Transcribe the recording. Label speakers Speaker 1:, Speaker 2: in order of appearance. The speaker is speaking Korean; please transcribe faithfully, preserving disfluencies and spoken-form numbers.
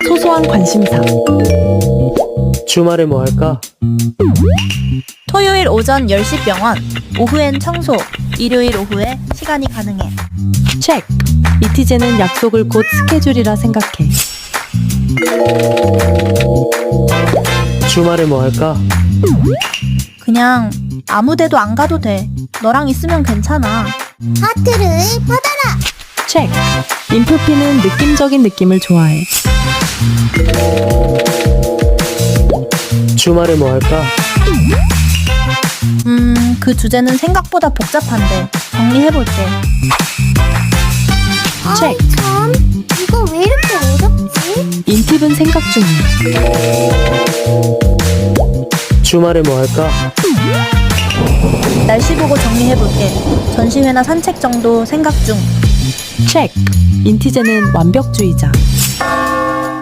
Speaker 1: 소소한 관심사.
Speaker 2: 주말에 뭐 할까?
Speaker 3: 토요일 오전 열 시 병원, 오후엔 청소, 일요일 오후에 시간이 가능해.
Speaker 1: 체크. 이티제는 약속을 곧 스케줄이라 생각해.
Speaker 2: 주말에 뭐 할까?
Speaker 3: 그냥 아무 데도 안 가도 돼. 너랑 있으면 괜찮아.
Speaker 4: 하트를 받아라.
Speaker 1: 체크. 인프피는 느낌적인 느낌을 좋아해.
Speaker 2: 주말에 뭐 할까?
Speaker 3: 음, 그 주제는 생각보다 복잡한데 정리해볼게.
Speaker 1: 체크.
Speaker 4: 참, 이거 왜 이렇게 어렵지?
Speaker 1: 인팁은 생각 중이야.
Speaker 2: 주말에 뭐 할까?
Speaker 3: 날씨 보고 정리해볼게. 전시회나 산책 정도 생각 중.
Speaker 1: 체크. 인티제는 완벽주의자.